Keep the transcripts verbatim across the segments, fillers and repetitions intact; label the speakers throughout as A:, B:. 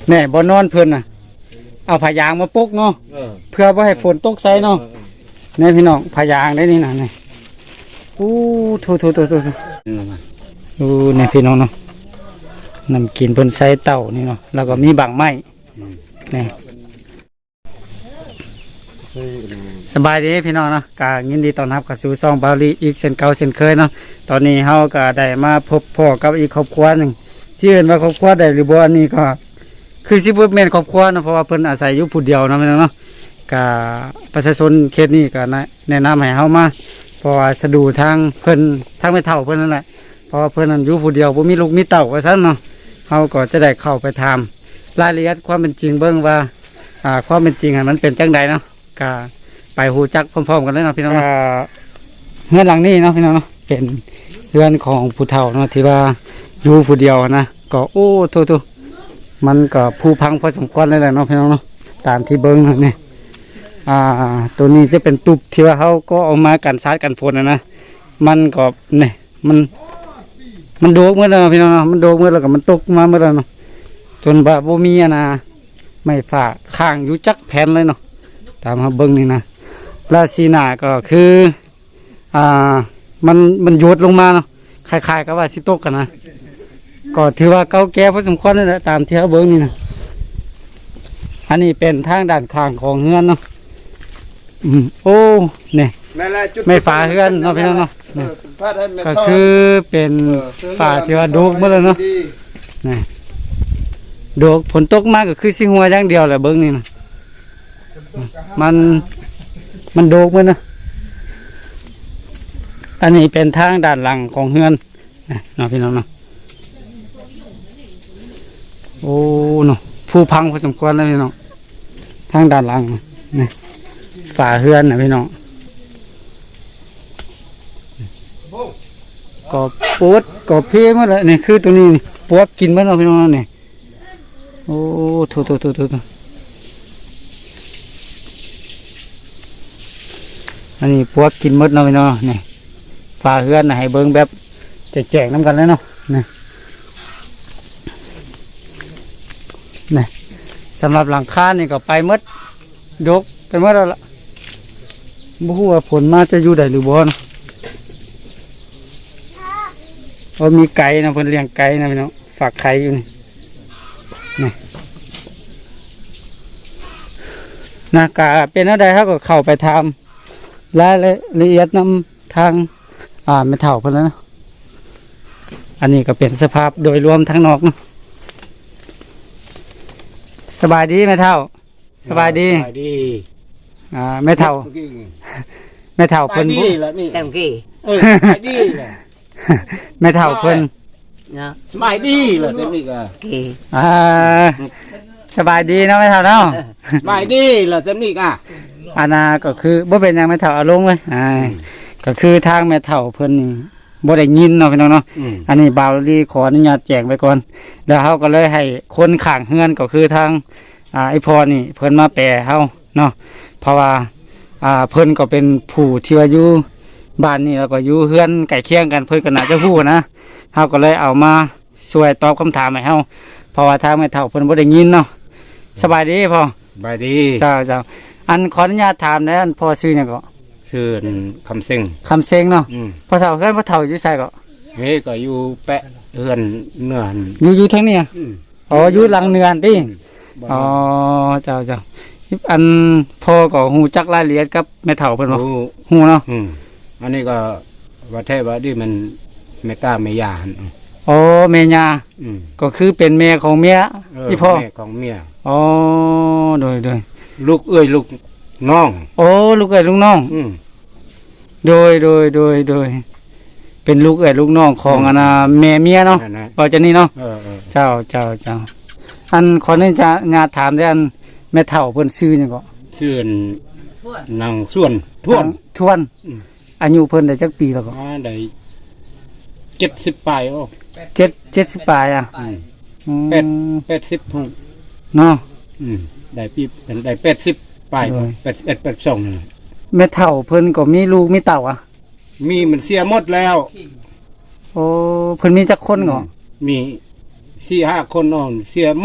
A: แน่บ่นอนเพิ่นน่ะเอาผ้ายางมาปุกเนาะเพื่อบ่ให้ฝนตกใส่เนาะแน่พี่น้องผ้ายางได้นี่น่ะนี่อู้โถๆๆๆอู้แน่พี่น้องเนาะนำกินเพิ่นใส่เต่านี่เนาะแล้วก็มีบางไม้นี่สบายดีพี่น้องเนาะก็ยินดีต้อนรับเข้าสู่ช่องบาลีอีกเช่นเก่าเช่นเคยเนาะตอนนี้เฮาก็ได้มาพบพ่อกับอีกครอบครัวหนึ่งชื่อว่าครอบครัวใดหรือบ่อันนี้ก็คือสิบ่แม่นครอบครัวเนาะเพราะว่าเพิ่นอาศัยอยู่ผู้เดียวเนาะพี่น้องเนาะก็ประชาชนเขตนี้ก็แนะนำให้เฮามาเพราะว่าสะดวกทางเพิ่นทางไม่เฒ่าเพิ่นนั่นแหละเพราะว่าเพิ่นนั้นอยู่ผู้เดียวบ่มีลูกมีเต้าว่าซั่นเนาะเฮาก็จะได้เข้าไปถามรายละเอียดความเป็นจริงเบิ่งว่าอ่าความเป็นจริงมันเป็นจังไดเนาะก็ไปหูจักพร้อมๆกันเลยเนาะพี่น้องเฮือนหลังนี้เนาะพี่น้องเนาะเป็นเฮือนของผู้เฒ่าเนาะที่ว่าอยู่ผู้เดียวนะก็โอ้โทษๆมันก็ผู้พังพอสมควรเลยแหละเนาะพี่น้องเนาะตามที่เบิ้งนี่อ่าตัวนี้จะเป็นตุบที่ว่าเขาก็เอามากันซาดกันฝนนะนะมันก็เนี่ยมันมันโดกเมื่อแล้วพี่น้องเนาะมันโดกเมื่อแล้วก็มันตกมาเมื่อแล้วเนาะจนแบบว่ามีนะไม่ฝากข้างอยู่จักแผ่นเลยเนาะตามมาเบิ้งนี่นะราศีหนาก็คืออ่ามันมันโยดลงมาเนาะคล้ายๆกับว่าสิตกกันนะก็ถือว่าเก่าแก่พอสมควรเลยนะตามที่เขาเบิ้งนี่นะอันนี้เป็นทางด้านข้างของเฮือนเนาะอืมโอ้เนี่ยไม่ฝาเฮือนเนาะพี่น้องเนาะก็คือเป็นฝาที่ว่าโดกเมื่อแล้วเนาะนี่โดกฝนตกมากก็คือสิหัวอย่างเดียวแหละเบิ้งนี่นะมันมันโดกเมื่อนะอันนี้เป็นทางด้านหลังของเฮือนเนาะพี่น้องเนาะโอ้เนาะผู้พังพอสมควรแล้วพี่น้องทางด้านหลังนี่ฝาเฮือนนะพี่น้องก็ปวดก็เพี้ยมาเลยนี่คือตัวนี้นี่ปวดกินมั้งเนาะพี่น้องนี่โอ้โถโถโถโถอันนี้ปวดกินมดเนาะพี่น้องนี่ฝาเฮือนนะให้เบิ้งแบบแจกๆน้ำกันแล้วเนาะนี่นี่สำหรับหลังคานี่ก็ไปมดยกไปมดแล้วล่ะบ่ฮู้ว่าผลมาจะอยู่ได้หรือบ่นะเพราะมีไก่นะเพิ่นเลี้ยงไก่นะพี่น้องฝากไข่อยู่นี่นี่นะกะเป็นอะไรครับก็เข้าไปทำรายละเอียดนำทางอ่าไม่เท่าเพิ่นแล้วนะอันนี้ก็เป็นสภาพโดยรวมทั้งนอกนะสบายดีแม่เท่าสบายดีสบายดีอ่าแม่เท่าแม่เท่าเพิ่นดีแล้วนี่แต้มกี้เออสบายดีเลยแม่เท่าเพิ่นสบายดีเลยเต็มนี่ก็อ่าสบายดีเนาะแม่เท่าเนาะ
B: สบายดีเลยเต็มนี่ก็
A: อานาก็คือบ่เป็นอย่างแม่เท่าเอาลงเลยอ่าก็คือทางแม่เท่าเพิ่นนี่บ่ได้ยินเนาะพี่น้องเนาะอันนี้บ่าวลีขออนุญาตแจ้งไปก่อนแล้วเฮาก็เลยให้คนข้างเฮือนก็คือทางอ่าไอพอนี่เพิ่นมาแปลเฮาเนาะเพราะว่าอ่าเพิ่นก็เป็นผู้ที่ว่าอยู่บ้านนี่แล้วก็อยู่เฮือนใกล้เคียงกันเพิ่นก็น่าจะฮู้นะเฮาก็เลยเอามาช่วยตอบคำถามให้เฮาเพราะว่าทางแม่เฒ่าเพิ่นบ่ได้ยินเนาะสบายดีพ่อ
B: สบายดี
A: เจ้าเจ้าอันขออนุญาตถามนะอันพ่อชื่อหยังก็
B: ชื่อคำเซ็ง
A: คำเซ็งเนาะพ่อเฒ่าเฮือนพ่อเฒ่าอยู่ไสก็
B: เฮ้ก็อยู่แปะเฮือนเนือน
A: อยู่อยู่ทางนี้อ๋ออยู่หลังเนือนติอ๋อเจ้าเจ้าอันพ่อก็ฮู้จักรายละเอียดกับแม่เฒ่าเพิ่นบ่ฮู้เนาะ
B: อืมอันนี้ก็ว่าแท้ว่าดิมันแม่ตาแม่ย่าหั่น
A: อ๋อแม่ย่าอืมก็คือเป็นแม่ของเมียอีพ่อ
B: แม่ของเมีย
A: อ๋อโดยโดย
B: ลูกเอ้ยลูกน้อง
A: โอ้ลูกเอ้ยลูกน้อง
B: อืม
A: โดยโดยโดยโดยเป็นลูกเอ้ยลูกน้องของอันน่ะแม่เมียเนาะว่าจะนี่เนาะ
B: เออ
A: ๆเจ้าเจ้าเจ้าอันขออนุญาตญาติถามได้อันแม่เฒ่าเพิ่นชื่อหยังก็
B: ชื่อนางส่วนทวน
A: ทวนอายุเพิ่นได้จักปีแล้วก็
B: ได้เจ็ดสิบปลายโอ้
A: เจ็ด เจ็ดสิบปลายอ่ะ
B: อืมแปด แปดสิบ
A: เนาะ
B: อืมได้ปีได้แปดสิบปลายแปดสิบเอ็ด แปดสิบสองนี่
A: แม่เฒ่าเพิ่นก็มีลูกมีเต้าอ่ะ
B: มีมันเสียหมดแล้ว
A: โอ้เพิ่นมีจักคนก็
B: มี สี่ ห้าคนน้องเสียหมด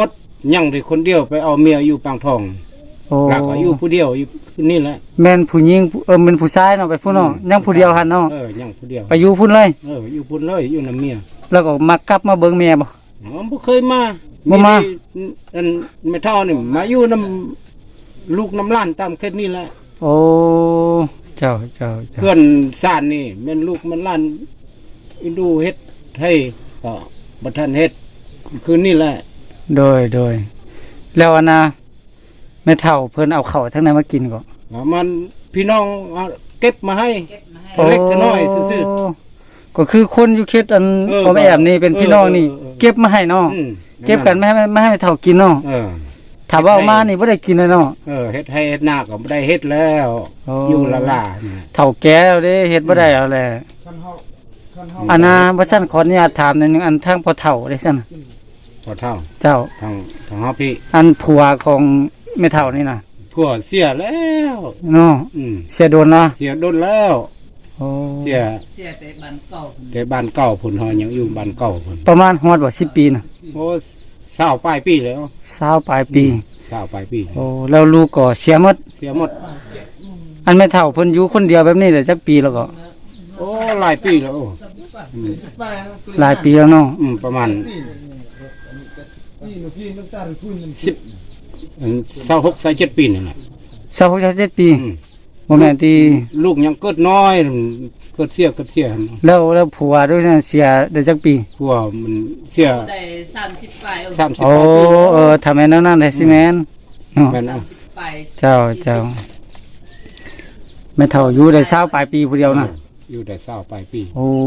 B: ยังได้คนเดียวไปเอาเมียอยู่ปางทอง
A: โอ้
B: แล้วก็อยู่ผู้เดียวอยู่นี่แหละ
A: แม่นผู้หญิงเออเป็นผู้ชายเนาะไปพุ่นเนาะยังผู้เดียวหันเนาะ
B: เออยังผู้เดียว
A: ไปอยู่พุ่นเลย
B: เอออยู่พุ่นเลยอยู่นำเมีย
A: แล้วก็มากลับมาเบิ่งแม่บ่
B: อ๋อบ่เคยมา
A: บ่มา
B: อันไม่เท่านี่มาอยู่นำลูกน้ำล้านตามเขตนี่แหละ
A: โอ้เจ้าเจ้าเจ้า
B: เพื่อนซ่านนี่แม่นลูกมันล้านอินดูเฮ็ดให้ก็บ่ทันเฮ็ดคืนนี่แหละ
A: โดยโดยแล้วอันน่ะแม่เฒ่าเพิ่นเอาข้าวทั้งนั้นมากินก็
B: อ๋อมันพี่น้องเอาเก็บมาให้เล็กน้อยซื่อ
A: โก็คือคนอยู่เขตอัน
B: เออ
A: พ่อแม่แอมนี่เป็นพี่น้องนี่
B: เออเออเออ
A: เก็บมาให้เนาะ
B: ๆอืม
A: เก็บกันไม่ให้ไม่ให้แม่เฒ่ากินเนาะ
B: เออ
A: ถ้าว่าเอามานี่บ่ได้กินเลยเนาะ
B: เออเฮ็ดให้เฮ็ดหน้าก็บ่ได้เฮ็ดแล้ว
A: โอ้
B: อยู่ละล่าเนี่ย
A: เฒ่าแก่แล้วเด้เฮ็ดบ่ได้เอาแหละอันน่ะบ่ซั่นขออนุญาตถามหนิดนึงอันทางพ่อเฒ่าได้ซั่นน่ะ
B: พอเท่า
A: เจ้า
B: ทางทางเฮาพี่
A: อันผัวของแม่เฒ่านี่น่ะ
B: ผัวเสียแล้ว
A: เนาะ
B: อืม
A: เสียโดนเนาะ
B: เสียโดนแล้ว
A: โอ้
B: เสีย
C: เสียแต่บ้านเก่า
B: แต่บ้านเก่าพุ่นเฮายังอยู่บ้านเก่าพุ่น
A: ประมาณฮอดบ่สิบปีน่ะ
B: โอ้เศร้าปลายปีแล้ว
A: สาวปลายปี
B: เศร้าปลายปี
A: โอ้แล้วลูกก็เสียหมด
B: เสียหมด
A: อันแม่เฒ่าเพิ่นอยู่คนเดียวแบบนี้ได้จักปีแล้วก็
B: โอ้หลายปีแล้วอืม
A: หลายปีแล้วเนาะ
B: อืมประมาณสิบอืมเศร้าหกเศร้าเจ็ดปีนี่แหละ
A: สาวหกสิบเจ็ดปี
B: อืม
A: บ่แม่นที่
B: ลูกยังเกิดน้อยเกิดเสียเกิดเสีย
A: แล้วแล้วผัวด้วยนั่นเสียได้จักปี
B: ผัวมันเสีย
C: ได้สามสิบปลายเอา
B: สามสิบ
A: โอ้
B: กว่าปี
A: เออทำแม่นนั่นได้สิแม่นเนาะ
B: แม่น
C: สา
B: เอา
C: มสิบปลาย
A: เจ้าเจ้าแม่เฒ่าอยู่ได้สาวปลายปีผู้เดียวน่ะ
B: อยู่ได้เศร้าปลายปี
A: โอ้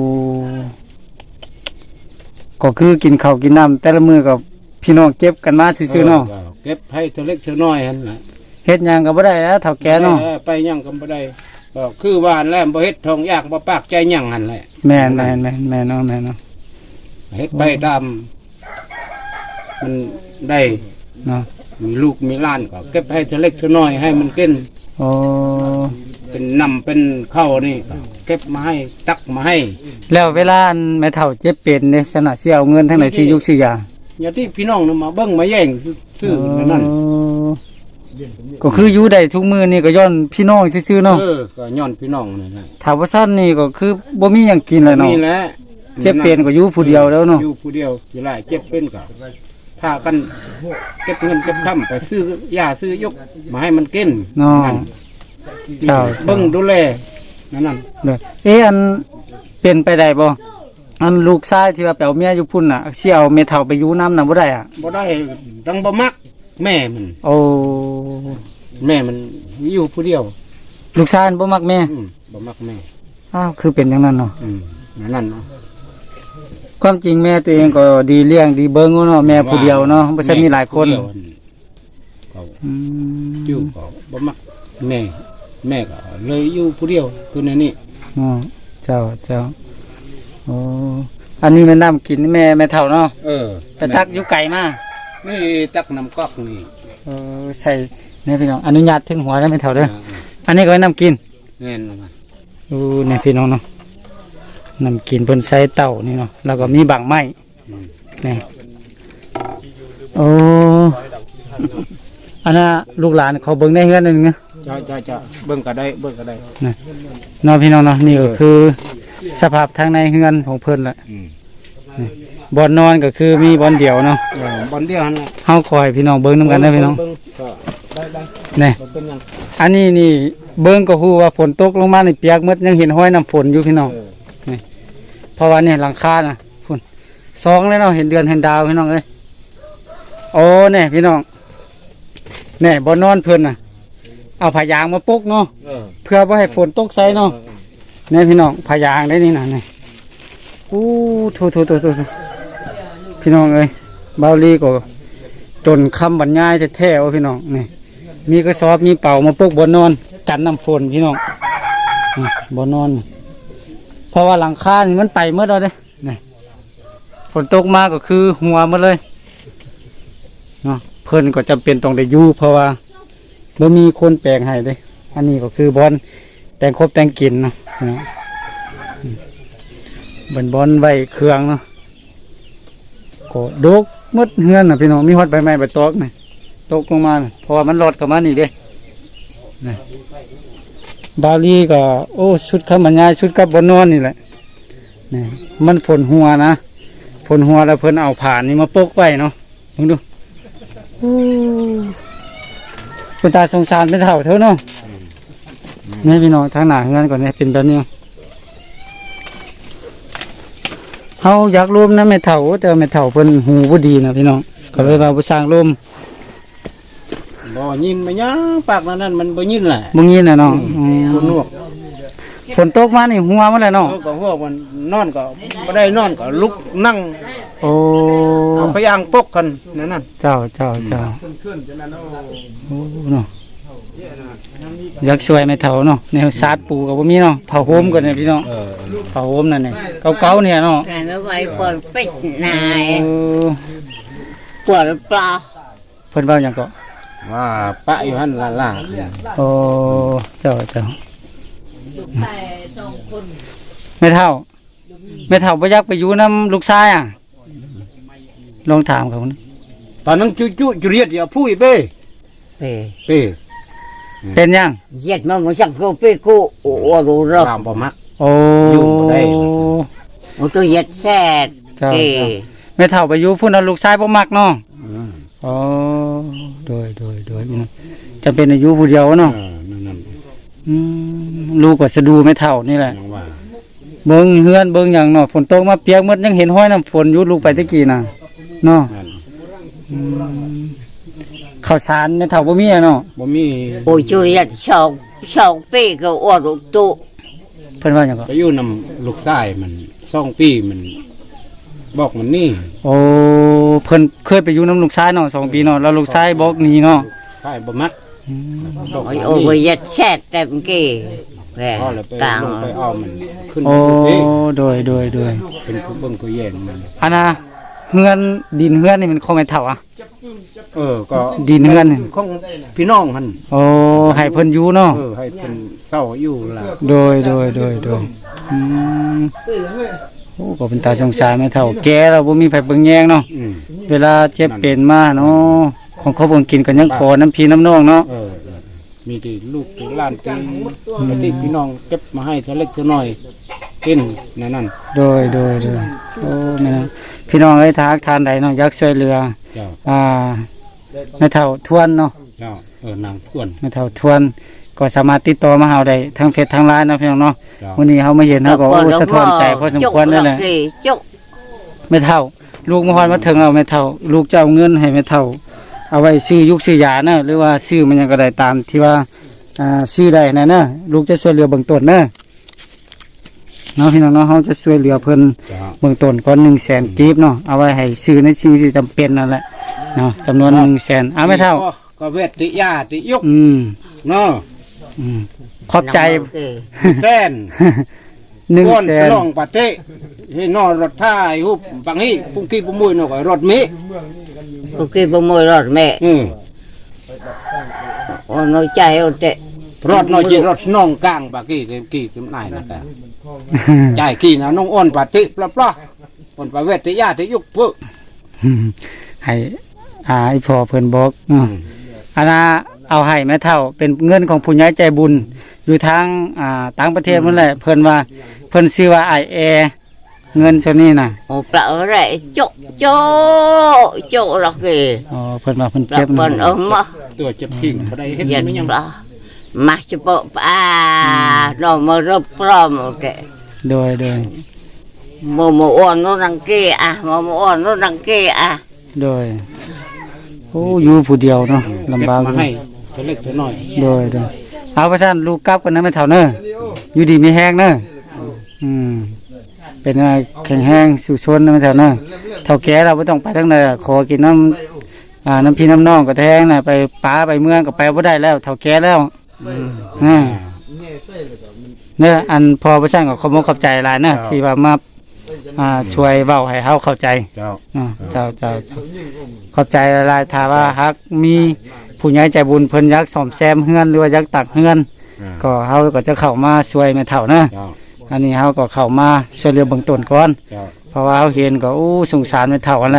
A: ก็คือกินข้าวกินน้ำแต่ละมื้อก็พี่น้องเก็บกันมาซื่อๆเนาะ
B: ออเก็บให้ตัวเล็กตัวน้อยหั่นน่ะ
A: เฮ็ดหยังก็บ่ได้แล้วเฒ่าแก่เนาะ
B: ออไปยังก็บ่ได้ก็คือว่าแล้วบ่เฮ็ดทองยากบ่ปากใจหยังหั่นแหละ
A: แม่นแม่นแม่นแม่นเนาะแม่นเนาะ
B: เฮ็ดไปตามมันได้
A: เนาะ
B: มีลูกมีหล้านก็เก็บให้ตัวเล็กตัวน้อยให้มันกิน
A: โอ้
B: เป็นนำเป็นข้าวนี่ก็เก็บมาให้ตักมาให้
A: แล้วเวลาอันแม่เฒ่าเจ็บเป็นเนี่ยสนะสิเอาเงินทางไหนสิยุกสิยา
B: อย่าที่พี่น้องนำมาเบิ่งมาแย่งซื้อๆนั่น
A: โอ้ก็คืออยู่ได้ทุกมื้อนี่ก็ย้อนพี่น้องซื่อๆเนาะ
B: เออก็ย้อนพี่น้องนี่นะ
A: ถ้าว่าซั่นนี่ก็คือบ่มีหยังกินเลยเนาะ
B: นี่แหละ
A: เจ็บเป็นก็อยู่ผู้เดียวแล้วเนาะ
B: อยู่ผู้เดียวสิหลายเจ็บเป็นก็พากันเก็บเงินเก็บค่ำไปซื้อยาซื้อยกมาให้มันกิน
A: เนาะ
B: นั่น
A: เจ้า
B: เบิ่งดูแลนั่นนั่น
A: เด้อเอ๊ะอันเป็นไปได้บ่อันลูกชายที่ว่าไปเอาเมียอยู่พุ่นน่ะสิเอาแม่เฒ่าไปอยู่นำน่ะบ่ได้อ่ะ
B: บ่ได้ดังบ่มัก แม่มัน
A: โอ้
B: แม่มันอยู่ผู้เดียว
A: ลูกชายบ่มักแม่
B: อืมบ่มักแม่
A: อ้าวคือเป็นจังนั้นเนาะ
B: อืมนั่นเนาะ
A: ความจริงแม่ตัวเองก็ดีเลี้ยงดีเบิ่งเนาะแม่ผู้เดียวเนาะบ่ใช่มีหลายคน
B: แม่ผู้เดียวก็
A: อืม
B: อยู่ก็บ่มักแม่ แม่ก็เลยอยู่ผู้เดียวคือในนี้
A: อ๋อเจ้าเจ้าโอ้อันนี้แม่น้ำกินแม่แม่เฒ่าเนาะ
B: เออ
A: ไปตักอยู่ไกลมา
B: นี่ตักน้ำก๊อกนี่
A: เออใส่เนี่ยพี่น้องอนุญาตถึงหัวแล้วแม่เฒ่าเด้อ
B: อ่า
A: อันนี้ก็ไว้น้ำกิน
B: แม่นมา
A: ดูเนี่ยพี่น้องเนาะน้ำกินเพิ่นใส่เต่านี่เนาะแล้วก็มีบางไม้นี่โอ้อันน่ะลูกหลานเขาเบิ่งได้เฮือนนึงนะ
B: จะจะจะเบิ่งก็ได้เบิ่งก็ได้
A: นะเนาะพี่น้องเนาะนี่ก็คือสภาพทางในเฮือนของเพิ่นแหละ
B: อืม
A: บ่อนนอนก็คือมีบ่อนเดียวเนาะ
B: เออบอลเดียวหั่นแหละ
A: เฮาคอยพี่น้องเบิ่งนํกันนะพี่น้อง
B: เบิ่ก็ได้ได้
A: นี่
B: บ่เป็นหยัง
A: อันนี้นี่เบิ่งก็ฮู้ว่าฝนตกลงมานี่เปียกหมดยังเห็นห้อยน้ำฝนอยู่พี่น้อง
B: เออ
A: เพราะว่าเนี่ยหลังคาน่ะพุ่นสองเลยเนาะเห็นเดือนเห็นดาวพี่น้องเอ้ยโอ้เนี่ยพี่น้องเนี่ยบ่นอนเพิ่นน่ะเอาผ้ายางมาปกเนาะ
B: เออ
A: เพื่อบ่ให้ฝนตกใส่เนาะเนี่ยพี่น้องผ้ายางได้นี่น่ะนี่อู้โถๆๆๆพี่น้องเอ้ยเบาลีก็จนคำบรรยายแท้ๆว่าพี่น้องนี่มีกระสอบมีเป่ามาปกบ่นอนกันน้ำฝนพี่น้องนี่บ่นอน เพราะว่าหลังคานี่มันไปเมื่อเราเด้นี่ฝนตกมาก็คือหัวหมดเลยเนาะเพิ่นก็จำเป็นต้องได้อยู่เพราะว่าบ่มีคนแปลงให้เด้อันนี้ก็คือบอนแต่งครบแต่งกินเนาะเนาะอืมเป็นบอนไว้เครื่องเนาะก็ดกหมดเฮือนน่ะพี่น้องมีฮอดใบไม้ใบตอกนี่ตกลงมาน่ะเพราะว่ามันรอดเข้ามานี่เด้นี่บาลีก็โอ้ชุดคำบรรยายชุดกับบนนอนนี่แหละนี่มันฝนหัวนะฝนหัวแล้วเพิ่นเอาผ่านนี่มาปกไว้เนาะลองดูโอ้คุณตาสงสารเป็นเฒ่าเท่าเนาะนี่พี่น้องทางหน้าเฮือนก่อนนี่เป็นแบบนี้เฮาอยากรวมนะแม่เฒ่าแต่ว่าแม่เฒ่าเพิ่นหูบ่ดีนะพี่น้องก็เลยว่าบ่สร้างรวม
B: บ่ยินมาหยังปากนั้นมันบ่ยินแหละ
A: บ่ยินน่ะเนาะ
B: คนนวก
A: ฝนตกมานี่หัวมันแหละเนาะ
B: เออก็พวกมันนอนก็บ่ได้นอนก็ลุกนั่ง
A: โอ้
B: เอาพยางปกกันนั่นนั่น
A: เจ้าเจ้าเจ้าโอ้เนาะอยากช่วยแม่เฒ่าเนาะแนวสาดปูก็บ่มีเนาะเผาโฮมก่อนเนี่ยพี่น้อง
B: เออ
A: เผาโฮมนั่นนี่เก่าๆเนี่ยเนาะ
D: Này nó quay quần bích
A: เอ
D: này
A: อ
D: quần pla
A: เพิ่นเว้าหยังก็
B: ว่าปะอยู่หั่นล่ะ
A: โอ้เจ้าเจ้า
C: ลูกชายสองคน
A: แม่เฒ่าแม่เฒ่าบ่อยากไปอยู่นํลูกชายอ่ะลองถามเขานะ
B: ๆตอนนั้นจุจุจุเรียดอย่าพูดเป้
D: Thì
B: เป้
A: เป็นยัง
D: giết mà một chắc cô phê cô ủa đủ
B: ตา
D: rồi
B: มบ่มัก
A: โอ้
B: อยู่บ่ได้
D: một tôi giết xe
A: Trời
D: thì
A: แม่เฒ่าไปอยู่พุ่นเอาลูกชายบ่มักเนาะ
B: อืม
A: อ๋อโดยโดยโดยพี่น้องจะเป็นอายุผู้เดียวเนาะ
B: เออนั่นนั่น
A: อืมลูกก็สะดูไม่เท่านี่แหละ
B: ยังว่า
A: เบิ่งเฮือนเบิ่งหยังเนาะฝนตกมาเปียกหมดยังเห็นห้อยน้ำฝนอยู่ลูกไปตะกี้น่ะเนาะ
B: นั่น
A: อืมข้าวสารไม่เท่าบ่มีอะเนาะ
B: บ่มี
D: ôi chú giết sau sau phê cô ủa đủ tụ
A: เพิ่นว่าหยังก็
B: ไปอยู่นำลูกชายมันสองปีมันบอกมันนี่
A: โอ้เพิ่นเคยไปอยู่น้ำลูกชายเนาะสองปีเนาะแล้วลูกชายบอกหนีเนาะ
B: ชายบ่มัก
A: อืม
B: บอกมัน
D: ôi
B: นี่
D: ôi giết xe tem kì về
B: พอแล้วไปลง
D: càng
B: ไปเอามันขึ้น
A: โอ้
B: เอง
A: โดยโดยโดย
B: เป็นผู้เบิ่งผู้แย่งมัน
A: อันน่ะเฮือนดินเฮือนนี่มันของแม่เฒ่าอ่ะ
B: เออก็
A: ดินเฮือนนี่
B: ของพี่น้องหั่น
A: โอ้ให้เพิ่นอยู่เนาะ
B: เออให้เป็นเศร้าอยู่ล่ะ
A: โดยโดยโดยโดยอืมโอ้ก็เป็นตาสงสารแม่เฒ่าแก่แล้วบ่มีไผเบิ่งแยงเนาะ
B: อืม
A: เวลาเจ็บเป็นมาเนาะของเขาบ่กินก็ยังขอน้ำพี่น้ำน้องเนาะ
B: เออเออมีที่ลูกที่หล้านที่ที่พี่น้องเก็บมาให้เท่าเล็กเท่าน้อยกินนั่นนั่น
A: โดยโดยโดยโอ้แม่นะพี่น้องเอ้ยทากทานใดเนาะอยากช่วยเหลือ
B: เจ้า
A: อ่าแม่เฒ่าทวนเนาะ
B: เจ้าเออนางทวน
A: แม่เฒ่าทวนก็สามารถติดต่อมาเฮาได้ทางเฟซทางไลน์เนาะพี่น้องเนาะ
B: เจ้า
A: วันนี้เฮามาเห็นเฮาก็โอ้สะท้อนใจพอสมควรนั่นแหละ
D: kì chúc
A: แม่เฒ่า ลูกมาฮอดมาถึงเอาแม่เฒ่า ลูกจะเอาเงินให้แม่เฒ่า เอาไว้ซื้อยุกซื้อยาเนอะหรือว่าซื้อมันหยังก็ได้ตามที่ว่าอ่าซื้อได้นั่นเนอะลูกจะช่วยเหลือเบื้องต้นเนอะเนาะพี่น้องเนาะเฮาจะช่วยเหลือเพิ่น
B: เจ้า
A: เบื้องต้นก่อนหนึ่งแสนกีบเนาะเอาไว้ให้ซื้อในสิ่งที่จำเป็นนั่นแหละเนาะจำนวนหนึ่งแสนเอาแม่เฒ่า
B: ก็ก็เวทติยาติยก
A: อืม
B: เนาะ
A: อืมขอบใจ
D: kì
B: แสน
A: หนึ่ง
B: ก้อน
A: แส
B: ส
A: น
B: นองปาเต้ให้นอนรถท้ายหุบบางฮีปุ้งกี้ปุ้งมุยเนาะก็รถเม
D: cô kì bông môi rồi mẹ
B: อืม
D: ôi nói chay ôi tệ
B: รถน้อยจีรถน้องกลางบางกี้เต็มกี้เต็มนายนะแต่จ่ายกี้นะน้องอ้อนปาเต้ปลาปลาอ้อนปาเวทติยาติยกเพื่อ
A: ให้อ่าไอ้พ่อเพิ่นบอกเนาะอันน่ะเอาให้แม่เฒ่า เป็นเงินของผู้ใหญ่ใจบุญ อยู่ทางอ่าต่างประเทศนั่นแหละเพิ่นว่าเพิ่นชื่อว่า ไอ เอ เงินส่วนนี้น่ะ
D: ôi bạo rệ chúc chỗ chỗ là kì
A: อ๋อเพิ่นว่าเพิ่น
D: là
A: เจ็บนะ
D: phần ấm mà
B: ตัวเจ็บขิงบ่ได้เฮ็ด
D: giết
B: ไม่ยัง
D: bạo mà chụp bộ à rồi mà rập rom ôi tệ
A: โดยโดย
D: mà mà ôn nó đằng kia à mà mà ôn nó đằng kia à
A: โดยโอ้อยู่ผู้เดียวเนาะลำ
B: เก็บบ
A: ากอ
B: มา
A: ยู่
B: ให้เท่าเล็กเท่าน้อย
A: โดยโดยเอาประชันลูกกลับกันนะแม่เฒ่าเน้ออยู่ดีมีแห้งเน้ออืมเป็นอะไรแข็งแห้งสู่ชนนะแม่เฒ่าเน้อเฒ่าแก่เราบ่ต้องไปทางใดอะขอกินน้ำอ่าน้ำพี่น้ำน้องก็แทงน่ะไปป้าไปเมืองก็ไปบ่ได้แล้วเฒ่าแก่แล้วอ่าเน้ออันพอประชันก็ขอบคุณขอบใจหลายเน้อที่ว่ามาอ่าช่วยเว้าให้เฮาเข้าใจ
B: เจ้า
A: อ่าเจ้าเจ้าเจ้าขอบใจหลายๆถ้าว่าฮักมีผู้ใหญ่ใจบุญเพิ่นอยากซ่อมแซมเฮือนหรือว่าอยากตักเฮือน
B: อ่า
A: ก็เฮาก็จะเข้ามาช่วยแม่เฒ่านะ
B: เจ้า
A: อันนี้เฮาก็เข้ามาช่วยเหลือเบื้องต้นก่อน
B: เจ้า
A: เพราะว่าเฮาเห็นก็อู้สงสารแม่เฒ่าอันแหละ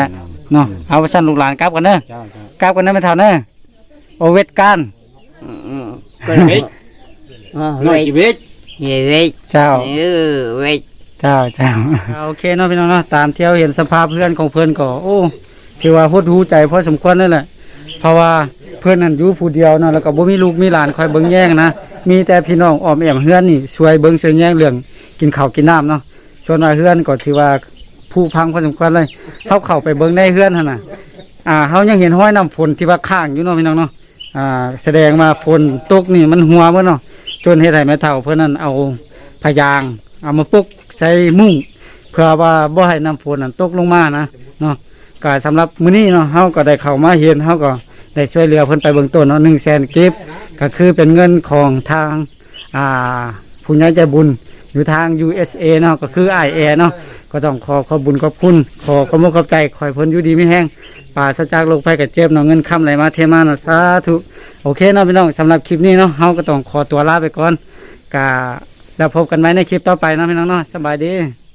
A: เนาะเอาไปสั่นลูกหลานกลับกันเด้อ
B: เจ้าเจ้าก
A: ลับกันเด้อไม่เท่าเด้อโอเวทการ
D: อืมอืมก็
B: เฮ้ย
D: เออ
B: น้อ
D: เวย ท
B: ชีวิต
D: เฮ้ยเวยท
A: เจ้า
D: เออเวยท
A: เจ้าเจ้าโอเคเนาะพี่น้องเนาะตามเที่ยวเห็นสภาพเพื่อนของเพื่อนก็โอ้ถือว่าหดหูใจพอสมควรนั่นแหละเพราะว่าเพื่อนนั่นอยู่ผู้เดียวเนาะแล้วก็บ่มีลูกมีหลานคอยเบิ่งแย่งนะมีแต่พี่น้องอ้อมแอมเฮือนนี่ช่วยเบิ่งช่วยแย่งเรื่องกินข้าวกินน้ำเนาะส่วนว่าเฮือนก็ถือว่าผู้พังพอสมควรเลยเฮาเข้าไปเบิ่งในเฮือนหั่นน่ะอ่าเฮายังเห็นห้อยน้ำฝนที่ว่าข้างอยู่เนาะพี่น้องเนาะอ่าแสดงมาฝนตกนี่มันหัวเบิดเนาะจนเฮ็ดให้แม่เฒ่าเพิ่นนั่นเอาพยางเอามาปุกใส่มุ้งเพื่อว่าบ่ให้น้ำฝนนั้นตกลงมานะเนาะก็สำหรับมื้อนี้เนาะเฮาก็ได้เข้ามาเห็นเฮาก็ได้ช่วยเหลือเพิ่นไปเบื้องต้นเนาะหนึ่งแสนกิฟต์ก็คือเป็นเงินของทางอ่าผู้ใหญ่ใจบุญอยู่ทาง ยู เอส เอ เนาะก็คือ ไอ เอ เนาะก็ต้องขอขอบบุญขอบคุณขอขอบคุณขอบใจขอให้เพิ่นอยู่ดีมีแฮงปราศจากโรคภัยไข้เจ็บเนาะเงินค้ำไหลมาเทมาเนาะสาธุโอเคเนาะพี่น้องสำหรับคลิปนี้เนาะเฮาก็ต้องขอตัวลาไปก่อนก็แล้วพบกันใหม่ในคลิปต่อไปเนาะพี่น้องเนาะสบายดี